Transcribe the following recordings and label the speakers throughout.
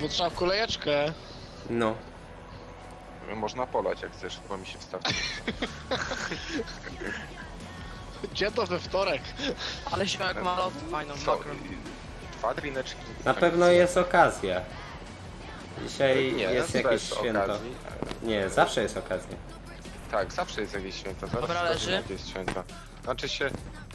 Speaker 1: Bo trzeba kolejeczkę.
Speaker 2: No.
Speaker 3: Można polać jak chcesz, bo mi się wstawi.
Speaker 1: Gdzie to we wtorek?
Speaker 4: Ale ziomek ma lot fajną
Speaker 3: Co?
Speaker 4: makro.
Speaker 3: 2 drineczki.
Speaker 2: Na pewno jest okazja. Dzisiaj
Speaker 3: Nie,
Speaker 2: jest
Speaker 3: bez
Speaker 2: jakieś święto.
Speaker 3: okazji.
Speaker 2: Nie, zawsze jest okazja.
Speaker 3: Tak, zawsze jest jakieś święto. Zaraz
Speaker 4: Dobra,
Speaker 3: pokażę,
Speaker 4: leży.
Speaker 3: jakie jest święto. Znaczy się...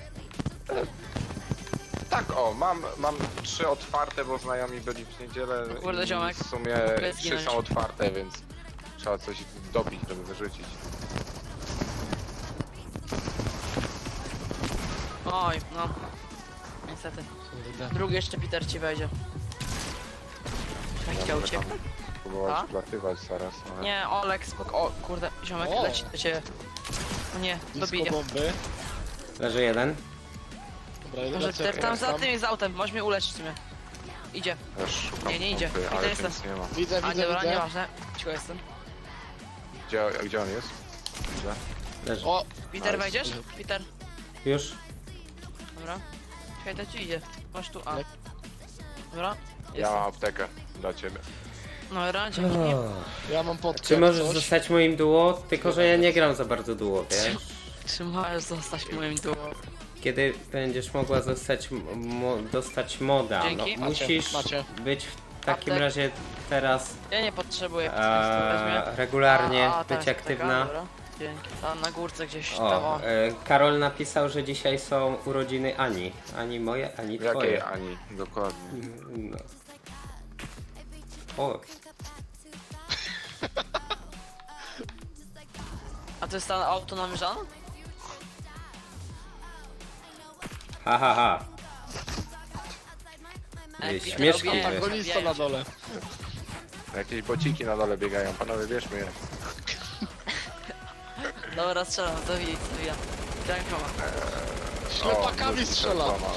Speaker 3: Tak, o, mam 3 otwarte, bo znajomi byli w niedzielę.
Speaker 4: Kurde,
Speaker 3: i
Speaker 4: ziomek.
Speaker 3: w sumie
Speaker 4: Mogę
Speaker 3: 3
Speaker 4: zginąć.
Speaker 3: są otwarte, więc trzeba coś dobić, żeby wyrzucić.
Speaker 4: Oj, no. Niestety. Drugi jeszcze Peter ci wejdzie. Jak chciał
Speaker 3: mogę tam
Speaker 4: uciekać?
Speaker 3: próbować
Speaker 4: A?
Speaker 3: wlatywać zaraz, ale...
Speaker 4: Nie, Olek, spoko. O, kurde, ziomek
Speaker 1: O.
Speaker 4: leci do ciebie. O nie,
Speaker 1: Blisko
Speaker 4: dobije.
Speaker 1: bomby.
Speaker 2: Leży jeden.
Speaker 1: Dobra, jeden
Speaker 4: Może
Speaker 1: lecę,
Speaker 4: Peter tam za
Speaker 1: tam.
Speaker 4: tym jest autem, możesz mnie uleczyć w sumie. Idzie.
Speaker 3: Też szukam
Speaker 4: Nie, nie idzie.
Speaker 3: pompy,
Speaker 4: Widzę,
Speaker 3: ale
Speaker 4: jestem.
Speaker 3: nic nie ma.
Speaker 1: Widzę,
Speaker 4: A
Speaker 1: widzę,
Speaker 4: dobra,
Speaker 1: widzę.
Speaker 4: nieważne. Cicho jestem.
Speaker 3: Gdzie on jest? Gdzie?
Speaker 2: Leży.
Speaker 1: O,
Speaker 4: Peter,
Speaker 3: Nice.
Speaker 4: wejdziesz? Peter,
Speaker 2: Już.
Speaker 4: dobra. Czekaj, to ci idzie. Masz tu A.
Speaker 1: Tak.
Speaker 4: Dobra.
Speaker 3: Ja
Speaker 4: Jestem.
Speaker 3: mam aptekę dla ciebie.
Speaker 4: Dobra, dzięki.
Speaker 1: ja mam podkę.
Speaker 2: Czy możesz
Speaker 1: coś.
Speaker 2: zostać moim duo? Tylko, że ja nie gram za bardzo duo, wiesz?
Speaker 4: Czy możesz zostać moim duo?
Speaker 2: Kiedy będziesz mogła dostać, dostać moda, no,
Speaker 4: Dzięki.
Speaker 2: musisz
Speaker 1: Macie.
Speaker 2: być w takim
Speaker 4: Aptek.
Speaker 2: razie teraz
Speaker 4: Ja nie potrzebuję, weźmie.
Speaker 2: regularnie
Speaker 4: A,
Speaker 2: być
Speaker 4: tak,
Speaker 2: aktywna.
Speaker 4: Dobra. Dzięki. Tam na górce gdzieś tam.
Speaker 2: O,
Speaker 4: O.
Speaker 2: Karol napisał, że dzisiaj są urodziny Ani. Ani moje, ani
Speaker 3: Jakiej
Speaker 2: twoje.
Speaker 3: Ani? Dokładnie.
Speaker 2: No. O,
Speaker 4: A to jest ta auto namierzane?
Speaker 2: ha ha ha.
Speaker 4: Ej,
Speaker 2: Śmieszki
Speaker 4: Peter,
Speaker 2: jest.
Speaker 1: Antagonista na dole.
Speaker 3: Jakieś bociki na dole biegają, panowie bierzmy je.
Speaker 4: Dobra, strzelam, zabija. Rękoma.
Speaker 1: Ślepakami
Speaker 3: wrócił
Speaker 1: strzela.
Speaker 3: reklama.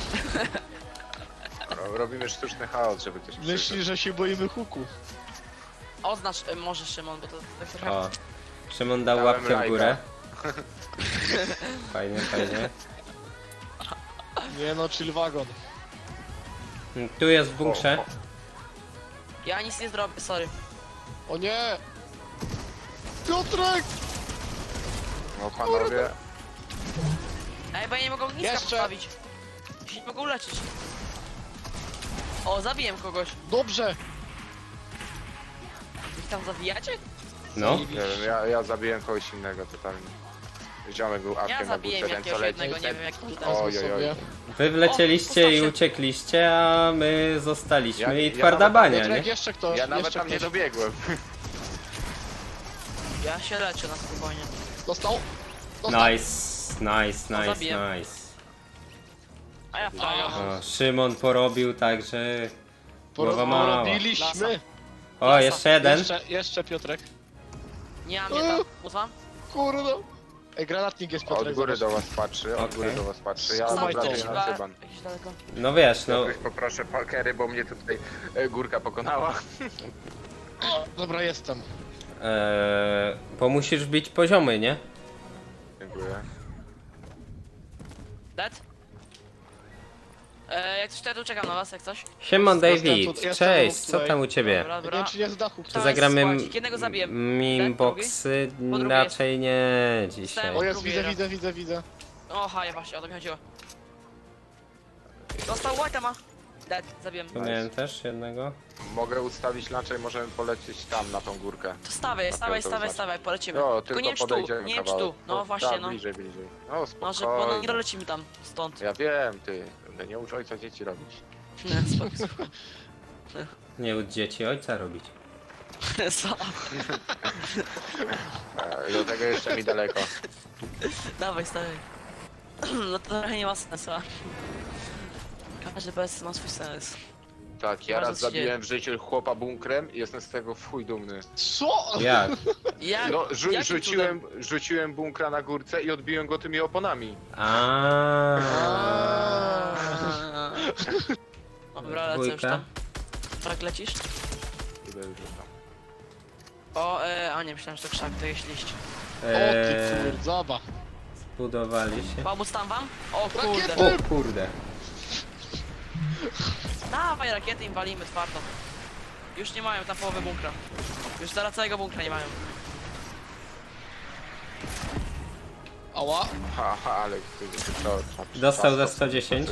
Speaker 3: Robimy sztuczny chaos, żeby ktoś
Speaker 1: Myśli,
Speaker 3: przyszedł.
Speaker 1: że się boimy huku.
Speaker 4: Oznacz, może Szymon, bo to tak trochę...
Speaker 2: O. Szymon dał
Speaker 3: Dałem
Speaker 2: łapkę w
Speaker 3: lajka.
Speaker 2: górę. Fajnie, fajnie.
Speaker 1: Nie no, chill wagon.
Speaker 2: Tu jest w bunkrze.
Speaker 3: O,
Speaker 4: Ja nic nie zrobię, sorry.
Speaker 1: O nie! Piotrek!
Speaker 3: No panowie,
Speaker 4: Ej, bo ja nie mogę ogniska
Speaker 1: Jeszcze.
Speaker 4: postawić. Ja się nie mogę uleczyć. O, zabiłem kogoś.
Speaker 1: Dobrze!
Speaker 4: Wy tam zabijacie?
Speaker 2: No.
Speaker 3: nie wiem, ja zabiłem kogoś innego totalnie. Ziomek był
Speaker 4: Ja
Speaker 3: awkiem na
Speaker 4: zabiłem
Speaker 3: górce, ten co
Speaker 4: jakiegoś
Speaker 3: leci.
Speaker 4: jednego, nie wiem jak to tam.
Speaker 3: Oj, oj,
Speaker 1: sobie.
Speaker 3: oj.
Speaker 2: Wy wlecieliście
Speaker 4: O,
Speaker 2: i
Speaker 4: postaw się.
Speaker 2: uciekliście, a my zostaliśmy i
Speaker 3: Ja
Speaker 2: twarda
Speaker 3: nawet-
Speaker 2: bania,
Speaker 1: Piotrek,
Speaker 2: nie?
Speaker 1: jeszcze ktoś,
Speaker 3: Ja nawet
Speaker 1: jeszcze
Speaker 3: tam nie
Speaker 1: ktoś.
Speaker 3: dobiegłem.
Speaker 4: Ja się leczę na spokojnie.
Speaker 1: Dostał? Dostał.
Speaker 2: Nice, nice, nice,
Speaker 4: zabiję.
Speaker 2: nice.
Speaker 4: A ja fraga.
Speaker 2: O, Szymon porobił także. Głowa mała.
Speaker 1: Porobiliśmy.
Speaker 2: O, jeszcze jeden.
Speaker 1: Jeszcze Piotrek.
Speaker 4: Nie mam mnie tam. Uzwam?
Speaker 1: Kurde. Ej, granatnik jest Piotrek.
Speaker 3: Od góry
Speaker 1: zobacz.
Speaker 3: do was patrzy, od góry
Speaker 2: Okej.
Speaker 3: do was patrzy. Ja
Speaker 1: Trzymaj to.
Speaker 3: obrażę na cyban.
Speaker 4: Jakieś daleko.
Speaker 2: No wiesz, no.
Speaker 3: Jakoś poproszę pakery, bo mnie tutaj górka pokonała.
Speaker 1: O, dobra, jestem.
Speaker 2: Bo musisz być poziomy, nie?
Speaker 3: Dziękuję.
Speaker 4: Dead? Jak coś, to ja tu czekam na was, jak coś.
Speaker 2: Siemon
Speaker 1: Jestem
Speaker 2: David,
Speaker 1: tu- jestem
Speaker 2: cześć,
Speaker 1: tu
Speaker 2: co
Speaker 1: tutaj.
Speaker 2: tam u ciebie?
Speaker 4: Dobra,
Speaker 1: Nie
Speaker 4: dobra.
Speaker 1: wiem, czy nie z dachu ktoś.
Speaker 4: To
Speaker 2: Zagramy
Speaker 4: jest, jednego zabiłem.
Speaker 2: mimboxy?
Speaker 4: Po drugie
Speaker 2: Raczej nie dzisiaj.
Speaker 4: Stałem-
Speaker 1: O, jest,
Speaker 4: drugi
Speaker 1: widzę,
Speaker 4: raz.
Speaker 1: widzę, widzę, widzę.
Speaker 4: Oha, ja właśnie, o to mi chodziło. Dostał White'a ma. Dead, zabiłem.
Speaker 2: Tu miałem też jednego.
Speaker 3: Mogę ustawić lancza i możemy polecieć tam na tą górkę.
Speaker 4: To stawaj,
Speaker 3: Na
Speaker 4: stawaj,
Speaker 3: to
Speaker 4: stawaj,
Speaker 3: znaczy.
Speaker 4: stawaj, polecimy.
Speaker 3: No,
Speaker 4: Tylko nie wiem czy tu,
Speaker 3: podejdziemy
Speaker 4: nie wiem czy
Speaker 3: kawałek.
Speaker 4: tu. No właśnie,
Speaker 3: tak,
Speaker 4: no.
Speaker 3: bliżej, bliżej. No
Speaker 4: No, że bo no,
Speaker 3: spokojnie.
Speaker 4: nie dolecimy tam, stąd.
Speaker 3: Ja wiem, ty. Nie ucz ojca dzieci robić.
Speaker 4: Nie, spoko.
Speaker 2: Nie od dzieci ojca robić.
Speaker 4: Co?
Speaker 3: I do tego jeszcze mi daleko.
Speaker 4: Dawaj, stawaj. No to trochę nie ma sensu. a? Każdy bez ma swój sens.
Speaker 3: Tak, ja
Speaker 4: Bardzo
Speaker 3: raz
Speaker 4: ci dzieje.
Speaker 3: zabiłem w życiu chłopa bunkrem i jestem z tego w chuj dumny.
Speaker 1: Co?
Speaker 2: Jak?
Speaker 4: Jak?
Speaker 3: No,
Speaker 4: jakim
Speaker 3: rzuciłem bunkra na górce i odbiłem go tymi oponami.
Speaker 4: Dobra, lecę już
Speaker 2: Dwójka.
Speaker 4: tam. Tak lecisz?
Speaker 3: Idę już tam.
Speaker 4: O, a nie, myślałem, że to krzak, to jest liść.
Speaker 1: O ty kurdzaba.
Speaker 2: Zbudowali się.
Speaker 4: Pomóc tam wam? O kurde.
Speaker 1: Rakiety!
Speaker 2: O kurde.
Speaker 4: Dawaj rakiety im walimy twardo. Już nie mają tam połowy bunkra. Już zaraz całego bunkra nie mają.
Speaker 1: Ała.
Speaker 3: Haha, ale to
Speaker 2: Dostał za 110.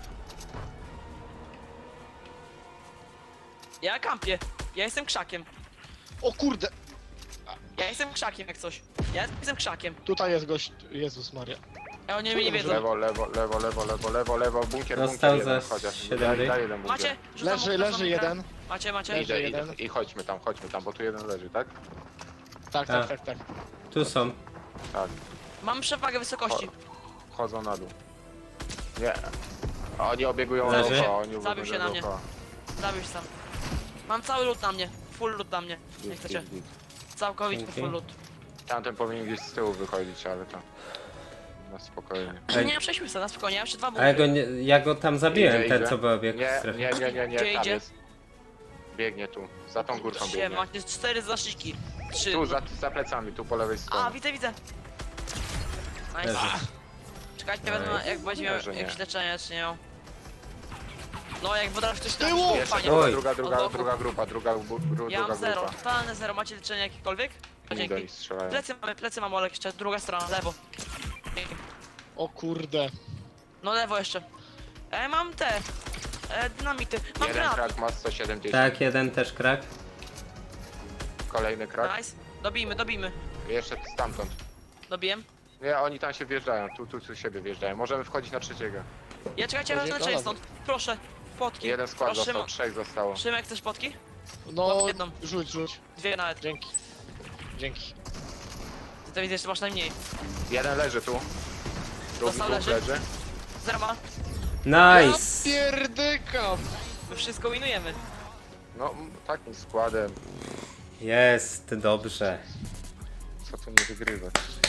Speaker 4: Ja kampię. Ja jestem krzakiem.
Speaker 1: O kurde.
Speaker 4: Ja jestem krzakiem jak coś. Ja jestem krzakiem.
Speaker 1: Tutaj jest gość. Jezus Maria.
Speaker 4: A oni mnie nie wiedzą.
Speaker 3: Lewo, bunkier,
Speaker 2: Dostał
Speaker 3: bunkier jeden
Speaker 2: za
Speaker 3: chociaż.
Speaker 2: 7
Speaker 3: Daj jeden bunkier.
Speaker 4: Macie? Rzucam
Speaker 1: Leży,
Speaker 4: bunkra,
Speaker 1: leży
Speaker 4: bunkra.
Speaker 1: jeden.
Speaker 4: Macie.
Speaker 3: Idę,
Speaker 1: jeden.
Speaker 3: i chodźmy tam, bo tu jeden leży, tak?
Speaker 1: Tak,
Speaker 2: A.
Speaker 1: tak.
Speaker 2: Tu są.
Speaker 3: Tak.
Speaker 4: Mam przewagę wysokości.
Speaker 3: Chodzą na dół. Nie. Oni obiegują
Speaker 2: Leży?
Speaker 3: dookoła, oni
Speaker 4: Zabił
Speaker 3: obiegują
Speaker 4: się na mnie.
Speaker 3: dookoła.
Speaker 4: Zabił się sam. Mam cały lód na mnie. Full lód na mnie. Nie
Speaker 3: Git,
Speaker 4: chcecie.
Speaker 3: git, git.
Speaker 4: Całkowity
Speaker 2: Dzięki.
Speaker 4: full lód.
Speaker 3: Tamten powinien gdzieś z tyłu wychodzić, ale to... Na spokojnie.
Speaker 2: Ej.
Speaker 4: Nie, przejdźmy sobie na spokojnie. Ja jeszcze 2
Speaker 2: A ja
Speaker 4: bunkry.
Speaker 2: go, ja go tam zabiłem,
Speaker 3: Idzie.
Speaker 2: ten co był obieg w
Speaker 3: Nie,
Speaker 2: strefie.
Speaker 3: nie,
Speaker 4: Gdzie
Speaker 3: tam
Speaker 4: idzie?
Speaker 3: jest. Biegnie tu, za tą górką
Speaker 4: Gdzie?
Speaker 3: biegnie.
Speaker 4: Macie 4 zaszyki. 3.
Speaker 3: Tu, za plecami, tu po lewej
Speaker 4: A,
Speaker 3: stronie.
Speaker 4: widzę. Nice.
Speaker 2: Leży.
Speaker 4: Czekajcie,
Speaker 3: Ej,
Speaker 4: wezmę jak będzie miał
Speaker 3: że nie.
Speaker 4: jakieś leczenie, czy nie miał. No, jak potrafi ktoś tam
Speaker 1: Tyłu!
Speaker 4: panie.
Speaker 2: Oj.
Speaker 3: Druga
Speaker 4: Od boku.
Speaker 3: grupa, druga
Speaker 4: Ja mam
Speaker 3: grupa.
Speaker 4: 0, totalne 0. Macie leczenie jakiekolwiek?
Speaker 3: Oni do nich
Speaker 4: Dzięki.
Speaker 3: strzelają.
Speaker 4: Plecy mam, Olek, jeszcze druga strona, lewo. Dzięki.
Speaker 1: O kurde.
Speaker 4: No lewo jeszcze. Mam te. Dynamity. Mam
Speaker 3: Jeden
Speaker 4: granat.
Speaker 3: krak ma 170.
Speaker 2: Tak, jeden też krak.
Speaker 3: Kolejny krak.
Speaker 4: Nice. Dobijmy.
Speaker 3: Jeszcze stamtąd.
Speaker 4: Dobijem.
Speaker 3: Nie, oni tam się wjeżdżają, tu siebie wjeżdżają. Możemy wchodzić na trzeciego.
Speaker 4: Ja czekajcie, wezmę leczenie stąd. Proszę. Potki.
Speaker 3: Jeden skład
Speaker 4: Proszę,
Speaker 3: został, 3 zostało.
Speaker 4: Szymek, chcesz potki?
Speaker 1: No,
Speaker 4: Mam jedną.
Speaker 1: rzuć.
Speaker 4: 2 nawet.
Speaker 1: Dzięki.
Speaker 4: Ty to widzę, że masz najmniej.
Speaker 3: Jeden leży tu. Drugi
Speaker 4: Dostał,
Speaker 3: tu
Speaker 4: leży.
Speaker 3: leży.
Speaker 4: 0 ma.
Speaker 2: Nice!
Speaker 1: Ja pierdykam.
Speaker 4: My wszystko winujemy.
Speaker 3: No, takim składem,
Speaker 2: Jest, dobrze.
Speaker 3: co tu nie wygrywać.